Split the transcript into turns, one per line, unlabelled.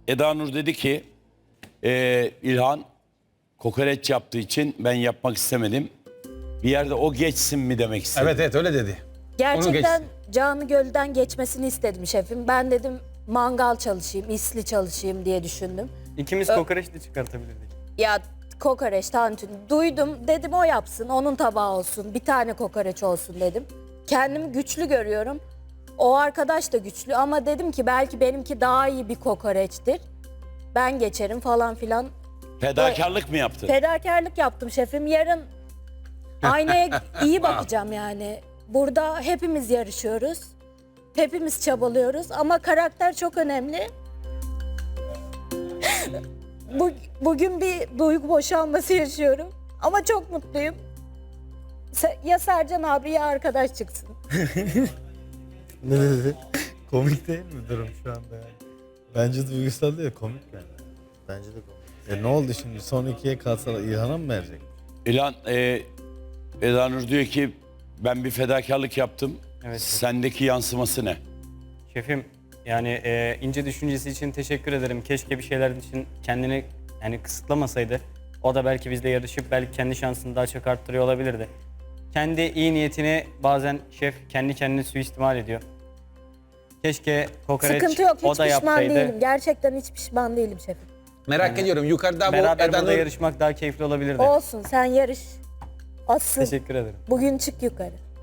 Eda Nur dedi ki İlhan kokoreç yaptığı için ben yapmak istemedim. Bir yerde o geçsin mi demek istedim.
Evet evet öyle dedi.
Gerçekten Canı Göl'den geçmesini istedim şefim. Ben dedim mangal çalışayım, isli çalışayım diye düşündüm.
İkimiz kokoreç de çıkartabilirdik.
Ya kokoreç, tantuni duydum, dedim o yapsın, onun tabağı olsun, bir tane kokoreç olsun dedim. Kendimi güçlü görüyorum. O arkadaş da güçlü ama dedim ki belki benimki daha iyi bir kokoreçtir. Ben geçerim falan filan.
Fedakarlık mı yaptın?
Fedakarlık yaptım şefim. Yarın aynaya iyi bakacağım yani. Burada hepimiz yarışıyoruz. Hepimiz çabalıyoruz ama karakter çok önemli. Bugün bir duygu boşalması yaşıyorum ama çok mutluyum. Ya Sercan abi ya arkadaş çıksın.
Ne dedi? Komik değil mi durum şu anda yani? Bence duygusal değil, komik yani. Bence de komik. Ne oldu şimdi? Son ikiye kalsalar İlhan'a mı verecek?
İlhan, Eda Nur diyor ki ben bir fedakarlık yaptım.
Evet.
Sendeki yansıması ne?
Şefim yani ince düşüncesi için teşekkür ederim. Keşke bir şeyler için kendini yani kısıtlamasaydı. O da belki bizle yarışıp belki kendi şansını daha çok arttırıyor olabilirdi. Kendi iyi niyetini bazen şef kendi kendini suistimal ediyor. Keşke kokoreç
Sıkıntı yok,
o
hiç
da
pişman
yapsaydı.
değilim. Gerçekten hiç pişman değilim şefim.
Merak ediyorum yukarıda bu
Beraber
Eda
burada
Nur...
yarışmak daha keyifli olabilirdi.
Olsun, sen yarış. Asıl
Teşekkür ederim.
bugün çık yukarı.